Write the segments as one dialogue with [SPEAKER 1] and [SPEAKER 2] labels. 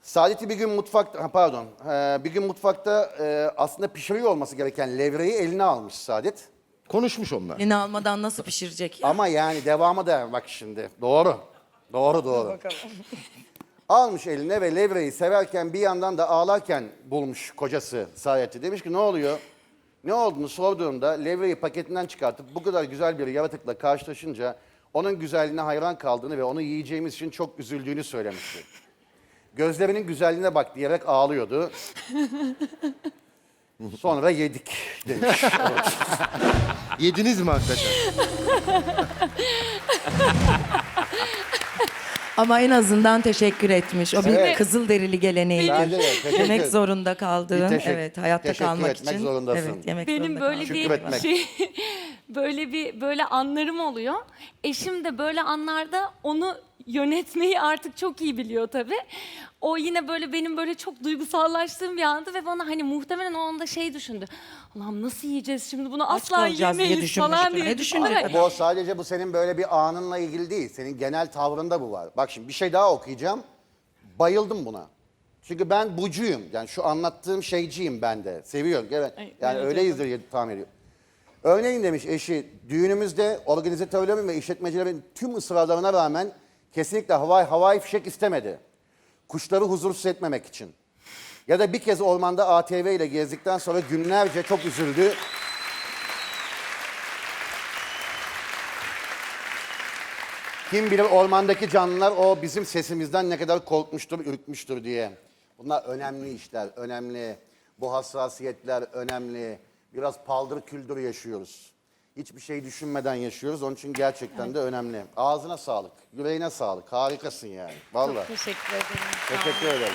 [SPEAKER 1] Saadet'i bir gün mutfakta, bir gün mutfakta aslında pişiriyor olması gereken levreyi eline almış Saadet.
[SPEAKER 2] Konuşmuş onlar.
[SPEAKER 3] Yeni almadan nasıl pişirecek ya?
[SPEAKER 1] Ama yani devamı da bak şimdi. Doğru. Doğru. Almış eline ve levreyi severken bir yandan da ağlarken bulmuş kocası Saadet'i. Demiş ki ne oluyor? Ne olduğunu sorduğumda levreyi paketinden çıkartıp bu kadar güzel bir yaratıkla karşılaşınca onun güzelliğine hayran kaldığını ve onu yiyeceğimiz için çok üzüldüğünü söylemişti. Gözlerinin güzelliğine bak diyerek ağlıyordu. Sonra yedik demiş.
[SPEAKER 2] Yediniz mi hakikaten?
[SPEAKER 3] Ama en azından teşekkür etmiş. O bir
[SPEAKER 1] Evet.
[SPEAKER 3] Kızılderili geleneğidir.
[SPEAKER 1] Bence de, teşekkür
[SPEAKER 3] Yemek
[SPEAKER 1] ederim.
[SPEAKER 3] zorunda kaldığın,
[SPEAKER 1] Bir
[SPEAKER 3] hayatta
[SPEAKER 1] teşekkür
[SPEAKER 3] kalmak
[SPEAKER 1] etmek
[SPEAKER 3] için.
[SPEAKER 1] zorundasın.
[SPEAKER 3] Evet, yemek
[SPEAKER 4] Benim
[SPEAKER 3] zorunda
[SPEAKER 4] böyle
[SPEAKER 3] kalmak.
[SPEAKER 4] bir
[SPEAKER 1] Şükretmek.
[SPEAKER 4] böyle anlarım oluyor. Eşim de böyle anlarda onu yönetmeyi artık çok iyi biliyor tabii. O yine böyle benim böyle çok duygusallaştığım bir andı ve bana hani muhtemelen o anda şey düşündü. Allah'ım nasıl yiyeceğiz şimdi bunu
[SPEAKER 3] Aç
[SPEAKER 4] asla
[SPEAKER 3] kalacağız diye
[SPEAKER 4] yemeyiz falan
[SPEAKER 3] düşünmüştür.
[SPEAKER 4] diye.
[SPEAKER 3] Ne düşünecek?
[SPEAKER 4] Ay,
[SPEAKER 1] Bu sadece bu senin böyle bir anınla ilgili değil. Senin genel tavrında bu var. Bak şimdi bir şey daha okuyacağım. Bayıldım buna. Çünkü ben bucuyum. Yani şu anlattığım şeyciyim ben de. Seviyorum. Evet.
[SPEAKER 4] Ay,
[SPEAKER 1] Yani
[SPEAKER 4] öyle
[SPEAKER 1] öyleyizdir diye tahmin ediyorum. Örneğin demiş eşi, düğünümüzde organizatörlerin ve işletmecilerin tüm ısrarlarına rağmen kesinlikle havai fişek istemedi. Kuşları huzursuz etmemek için. Ya da bir kez ormanda ATV ile gezdikten sonra günlerce çok üzüldü. Kim bilir ormandaki canlılar o bizim sesimizden ne kadar korkmuştur, ürkmüştür diye. Bunlar önemli işler, önemli. Bu hassasiyetler önemli. Biraz paldır küldür yaşıyoruz. Hiçbir şey düşünmeden yaşıyoruz. Onun için gerçekten de önemli. Ağzına sağlık, yüreğine sağlık. Harikasın yani. Vallahi.
[SPEAKER 4] Teşekkür ederim.
[SPEAKER 1] Teşekkür ederim.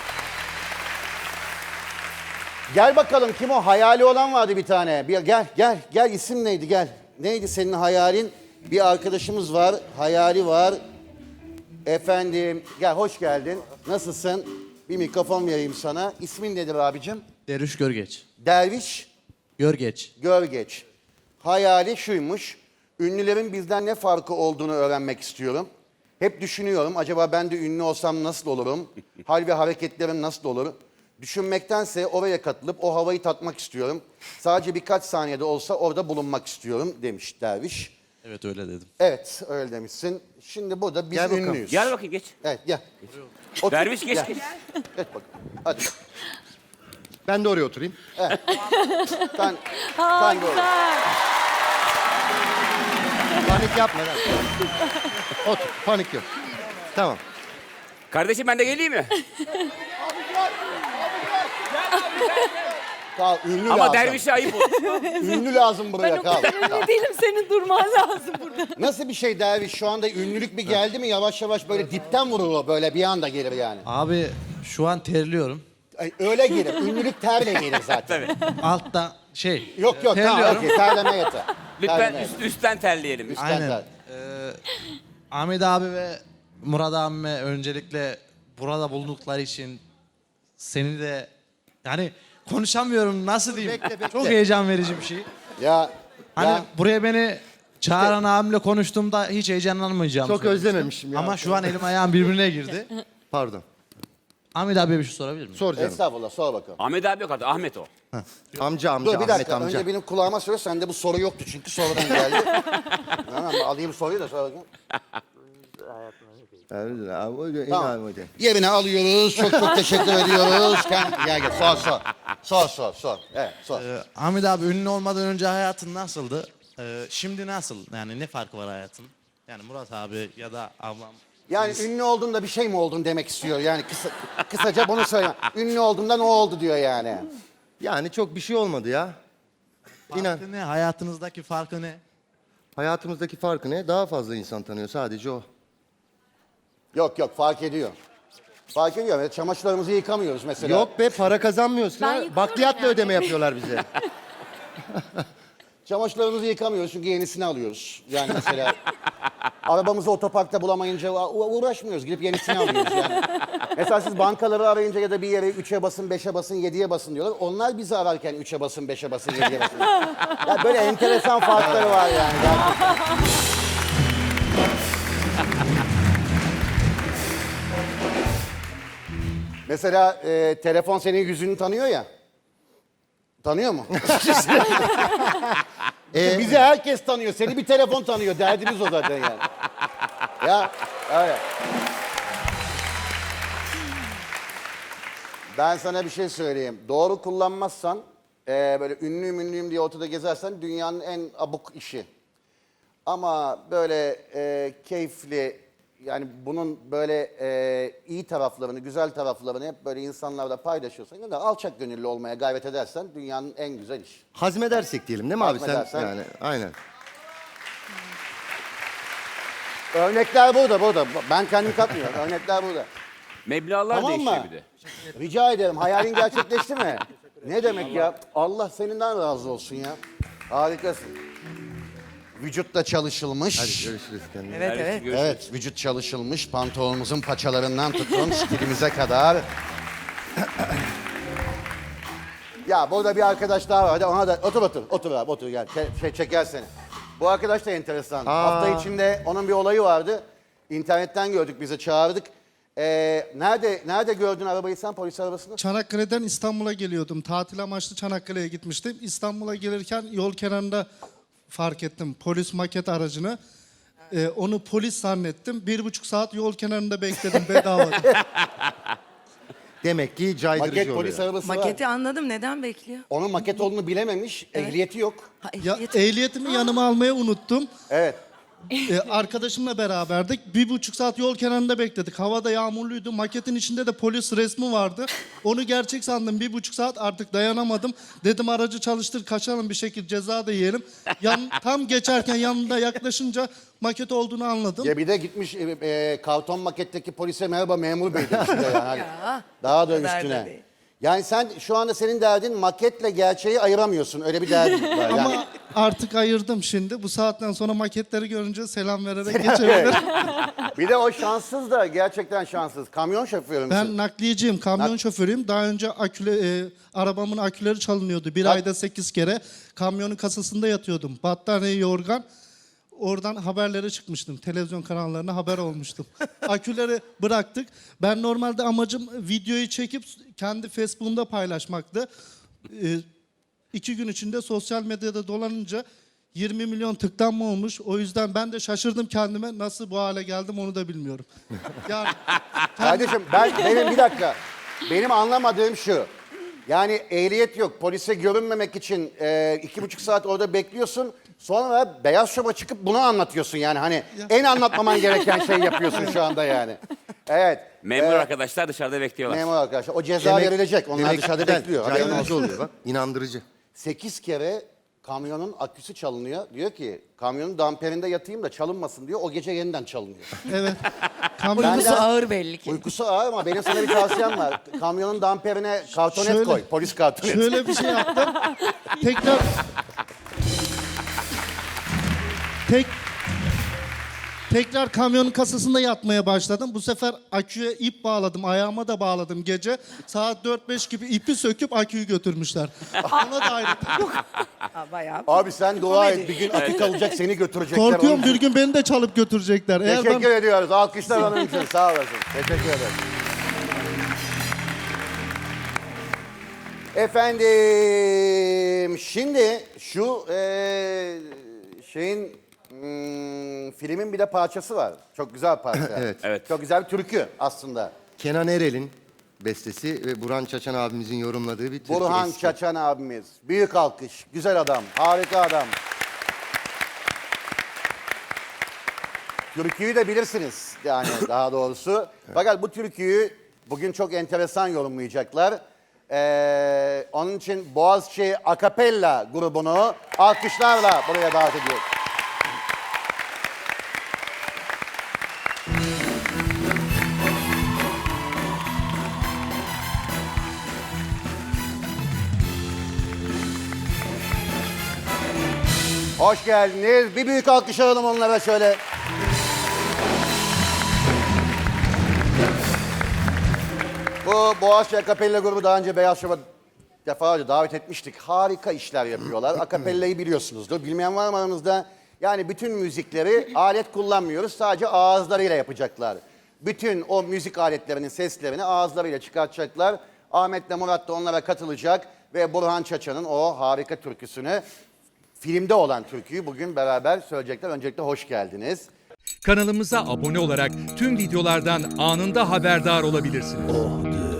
[SPEAKER 1] Gel bakalım kim o? Hayali olan vardı bir tane. Gel isim neydi gel. Neydi senin hayalin? Bir arkadaşımız var, hayali var. Efendim, gel hoş geldin. Nasılsın? Bir mikrofon vereyim sana. İsmin nedir abicim?
[SPEAKER 5] Derviş Görgeç.
[SPEAKER 1] Derviş
[SPEAKER 5] Görgeç.
[SPEAKER 1] Görgeç. Hayali şuymuş. Ünlülerin bizden ne farkı olduğunu öğrenmek istiyorum. Hep düşünüyorum. Acaba ben de ünlü olsam nasıl olurum? Hal ve hareketlerim nasıl olur? Düşünmektense oraya katılıp o havayı tatmak istiyorum. Sadece birkaç saniyede olsa orada bulunmak istiyorum demiş Derviş.
[SPEAKER 5] Evet öyle dedim.
[SPEAKER 1] Evet öyle demişsin. Şimdi burada biz
[SPEAKER 2] Gel bakalım.
[SPEAKER 1] ünlüyüz.
[SPEAKER 6] Gel bakayım geç.
[SPEAKER 1] Evet gel. Otur,
[SPEAKER 6] Derviş geç.
[SPEAKER 1] gel. Geç bakalım. Hadi.
[SPEAKER 2] Ben de oraya oturayım.
[SPEAKER 1] Sen de oraya.
[SPEAKER 4] Güzel.
[SPEAKER 2] Panik yapma lan. Otur. Panik yok. Tamam.
[SPEAKER 6] Kardeşim ben de geleyim mi?
[SPEAKER 1] Kal, ünlü
[SPEAKER 6] Ama
[SPEAKER 1] lazım.
[SPEAKER 6] dervişe ayıp olur.
[SPEAKER 1] Ünlü lazım buraya
[SPEAKER 4] Ben o
[SPEAKER 1] kal.
[SPEAKER 4] kadar ünlü değilim, senin durman lazım burada.
[SPEAKER 1] Nasıl bir şey Derviş? Şu anda ünlülük bir geldi mi yavaş yavaş böyle dipten vurur o böyle bir anda gelir yani.
[SPEAKER 5] Abi şu an terliyorum.
[SPEAKER 1] Ay, öyle gelir. Ünlülük terle gelir zaten.
[SPEAKER 5] Altta şey.
[SPEAKER 1] Yok tamam
[SPEAKER 5] terliyorum.
[SPEAKER 1] okey terleme yeter.
[SPEAKER 6] Lütfen
[SPEAKER 1] Terleme yeter.
[SPEAKER 6] üstten terleyelim.
[SPEAKER 1] Üstten
[SPEAKER 5] Aynen.
[SPEAKER 1] ter.
[SPEAKER 5] Ahmet abi ve Murat abime öncelikle burada bulundukları için seni de yani konuşamıyorum nasıl diyeyim. Çok heyecan verici bir şey.
[SPEAKER 1] Ya,
[SPEAKER 5] Hani
[SPEAKER 1] ya
[SPEAKER 5] buraya beni çağıran abimle konuştuğumda hiç heyecanlanmayacağım.
[SPEAKER 2] Çok özlememişim ya.
[SPEAKER 5] Ama şu an elim ayağım birbirine girdi.
[SPEAKER 2] Pardon.
[SPEAKER 5] Ahmet abiye bir şey sorabilir miyim?
[SPEAKER 2] Sor canım.
[SPEAKER 1] estağfurullah sor bakalım.
[SPEAKER 6] Ahmet abi yok artık. Ahmet o.
[SPEAKER 2] Amca
[SPEAKER 1] Dur bir
[SPEAKER 2] Ahmet
[SPEAKER 1] dakika
[SPEAKER 2] amca.
[SPEAKER 1] önce benim kulağıma söyle sende bu soru yoktu çünkü sonradan geldi. Tamam alayım soruyu da sonra bakayım. Tamam. Yerine alıyoruz. Çok teşekkür ediyoruz. Gel sor. Evet sor.
[SPEAKER 5] Ahmet abi ünlü olmadan önce hayatın nasıldı? Şimdi nasıl? Yani ne farkı var hayatın? Yani Murat abi ya da ablam.
[SPEAKER 1] Yani ünlü olduğunda bir şey mi oldun demek istiyor. Yani kısaca bunu söyle. Ünlü olduğumda ne oldu diyor yani.
[SPEAKER 2] Yani çok bir şey olmadı ya. İnan.
[SPEAKER 5] Farkı ne? Hayatınızdaki farkı ne?
[SPEAKER 2] Hayatımızdaki farkı ne? Daha fazla insan tanıyor. Sadece o.
[SPEAKER 1] Yok fark ediyor. Fark ediyor. Evet, çamaşırlarımızı yıkamıyoruz mesela.
[SPEAKER 2] Yok be para kazanmıyorsun.
[SPEAKER 4] Ben
[SPEAKER 2] ha.
[SPEAKER 4] yıkıyorum
[SPEAKER 2] Bakliyatla
[SPEAKER 4] yani.
[SPEAKER 2] ödeme yapıyorlar bize.
[SPEAKER 1] Çamaşırlarımızı yıkamıyoruz çünkü yenisini alıyoruz. Yani mesela arabamızı otoparkta bulamayınca uğraşmıyoruz. Gidip yenisini alıyoruz yani. Mesela siz bankaları arayınca ya da bir yere 3'e basın, 5'e basın, 7'ye basın diyorlar. Onlar bizi ararken 3'e basın, 5'e basın, 7'ye basın. Ya böyle enteresan farkları var yani. Mesela telefon senin yüzünü tanıyor ya. Tanıyor mu? Bizi herkes tanıyor. Seni bir telefon tanıyor. Derdimiz o zaten yani. Ya öyle. Ben sana bir şey söyleyeyim. Doğru kullanmazsan, böyle ünlüyüm diye ortada gezersen dünyanın en abuk işi. Ama böyle keyifli, yani bunun böyle iyi taraflarını, güzel taraflarını hep böyle insanlarla paylaşıyorsan, ya da alçak gönüllü olmaya gayret edersen dünyanın en güzel işi.
[SPEAKER 2] Hazmedersek diyelim değil mi abi sen?
[SPEAKER 1] Hazmedersen.
[SPEAKER 2] Yani aynen.
[SPEAKER 1] Örnekler burada. Ben kendim katmıyorum. Örnekler burada.
[SPEAKER 6] Meblağlar
[SPEAKER 1] Tamam
[SPEAKER 6] değişiyor
[SPEAKER 1] mı?
[SPEAKER 6] bir de.
[SPEAKER 1] Rica ederim. Hayalin gerçekleşti mi? Ne demek ya? Allah seninden razı olsun ya. Harikasın. Vücutla çalışılmış.
[SPEAKER 2] Hadi görüşürüz kendine.
[SPEAKER 3] Evet
[SPEAKER 6] Herkes
[SPEAKER 3] evet.
[SPEAKER 6] görüşürüz.
[SPEAKER 1] Evet, vücut çalışılmış. Pantolonumuzun paçalarından tutun stilimize kadar. Ya burada bir arkadaş daha var. Hadi ona da otur abi otur gel. Çeker seni. Bu arkadaş da enteresan. Hafta içinde onun bir olayı vardı. İnternetten gördük, bize çağırdık. Nerede gördün arabayı sen, polis arabasını?
[SPEAKER 7] Çanakkale'den İstanbul'a geliyordum. Tatil amaçlı Çanakkale'ye gitmiştim. İstanbul'a gelirken yol kenarında fark ettim polis maket aracını. Onu polis zannettim. 1,5 saat yol kenarında bekledim bedava.
[SPEAKER 2] Demek ki caydırıcı
[SPEAKER 1] Maket
[SPEAKER 2] oluyor.
[SPEAKER 1] polis arabası var.
[SPEAKER 3] Maketi anladım. Neden bekliyor?
[SPEAKER 1] Onun maket olduğunu bilememiş, ehliyeti yok.
[SPEAKER 3] Ha,
[SPEAKER 7] Ya,
[SPEAKER 3] ehliyet-
[SPEAKER 7] ehliyetimi yanıma almayı unuttum.
[SPEAKER 1] Evet.
[SPEAKER 7] Arkadaşımla beraberdik. 1,5 saat yol kenarında bekledik. Havada yağmurluydu. Maketin içinde de polis resmi vardı. Onu gerçek sandım. 1,5 saat artık dayanamadım. Dedim aracı çalıştır kaçalım bir şekilde ceza da yiyelim. Tam geçerken yanında yaklaşınca maket olduğunu anladım.
[SPEAKER 1] Ya bir de gitmiş karton maketteki polise merhaba memur bey demiş bir de yani. Daha da
[SPEAKER 3] o kadar da
[SPEAKER 1] üstüne.
[SPEAKER 3] değil.
[SPEAKER 1] Yani sen şu anda senin derdin maketle gerçeği ayıramıyorsun. Öyle bir derdin var. Yani.
[SPEAKER 7] Ama artık ayırdım şimdi. Bu saatten sonra maketleri görünce selam vererek geçebilirim.
[SPEAKER 1] Bir de o şanssız da gerçekten şanssız. Kamyon şoförü müsün?
[SPEAKER 7] Ben nakliyeciyim, kamyon şoförüyüm. Daha önce arabamın aküleri çalınıyordu. Bir ayda 8 kere. Kamyonun kasasında yatıyordum. Battaniye, yorgan. Oradan haberlere çıkmıştım. Televizyon kanallarına haber olmuştum. Aküleri bıraktık. Ben normalde amacım videoyu çekip kendi Facebook'umda paylaşmaktı. 2 gün içinde sosyal medyada dolanınca 20 milyon tıklanma olmuş. O yüzden ben de şaşırdım kendime. Nasıl bu hale geldim onu da bilmiyorum. Yani
[SPEAKER 1] Kardeşim benim bir dakika. Benim anlamadığım şu. Yani ehliyet yok. Polise görünmemek için 2,5 saat orada bekliyorsun. Sonra Beyaz Şov'a çıkıp bunu anlatıyorsun yani. Hani en anlatmaman gereken şey yapıyorsun şu anda yani. Evet.
[SPEAKER 6] Memur arkadaşlar dışarıda bekliyorlar.
[SPEAKER 1] Memur arkadaşlar. O ceza verilecek. Onlar dışarıda
[SPEAKER 2] güzel,
[SPEAKER 1] bekliyor. Haberin olsun.
[SPEAKER 2] Caydırıcı oluyor bak. İnandırıcı.
[SPEAKER 1] 8 kere kamyonun aküsü çalınıyor. Diyor ki kamyonun damperinde yatayım da çalınmasın diyor. O gece yeniden çalınıyor.
[SPEAKER 7] evet. Kamyon
[SPEAKER 3] Uykusu ağır belli ki.
[SPEAKER 1] Uykusu ağır ama benim sana bir tavsiyem var. Kamyonun damperine kartonet
[SPEAKER 7] Şöyle-
[SPEAKER 1] koy. Polis kartonet.
[SPEAKER 7] şöyle bir şey yaptım. Tekrar kamyonun kasasında yatmaya başladım. Bu sefer aküye ip bağladım. Ayağıma da bağladım gece. Saat 4-5 gibi ipi söküp aküyü götürmüşler. Ona da ayrı.
[SPEAKER 3] Bayağı.
[SPEAKER 1] Abi sen dua et. Bir gün akü kalacak seni götürecekler.
[SPEAKER 7] Korkuyorum
[SPEAKER 1] Onun
[SPEAKER 7] bir
[SPEAKER 1] için.
[SPEAKER 7] gün beni de çalıp götürecekler. Eğer ben
[SPEAKER 1] Teşekkür ediyoruz. Alkışlar onun için. Sağ olasın. Teşekkür ederim. Efendim, şimdi şu filmin bir de parçası var. Çok güzel parça.
[SPEAKER 2] Evet.
[SPEAKER 6] Evet.
[SPEAKER 1] Çok güzel bir türkü aslında.
[SPEAKER 2] Kenan Erel'in bestesi ve Burhan Çaçan abimizin yorumladığı bir türkü.
[SPEAKER 1] Burhan
[SPEAKER 2] eski.
[SPEAKER 1] Çaçan abimiz. Büyük alkış. Güzel adam. Harika adam. Türküyü de bilirsiniz yani daha doğrusu. Fakat bu türküyü bugün çok enteresan yorumlayacaklar. Onun için Boğaziçi Akapella grubunu alkışlarla buraya davet ediyoruz. Hoş geldiniz. Bir büyük alkış alalım onlara şöyle. Bu Boğaziçi Akapella grubu daha önce Beyaz Şov'a defalarca davet etmiştik. Harika işler yapıyorlar. Akapella'yı biliyorsunuzdur. Bilmeyen var mı aranızda? Yani bütün müzikleri alet kullanmıyoruz. Sadece ağızlarıyla yapacaklar. bütün o müzik aletlerinin seslerini ağızlarıyla çıkartacaklar. Ahmet'le Murat da onlara katılacak ve Burhan Çaça'nın o harika türküsünü, filmde olan türküyü bugün beraber söyleyecekler. Öncelikle hoş geldiniz.
[SPEAKER 8] Kanalımıza abone olarak tüm videolardan anında haberdar olabilirsiniz.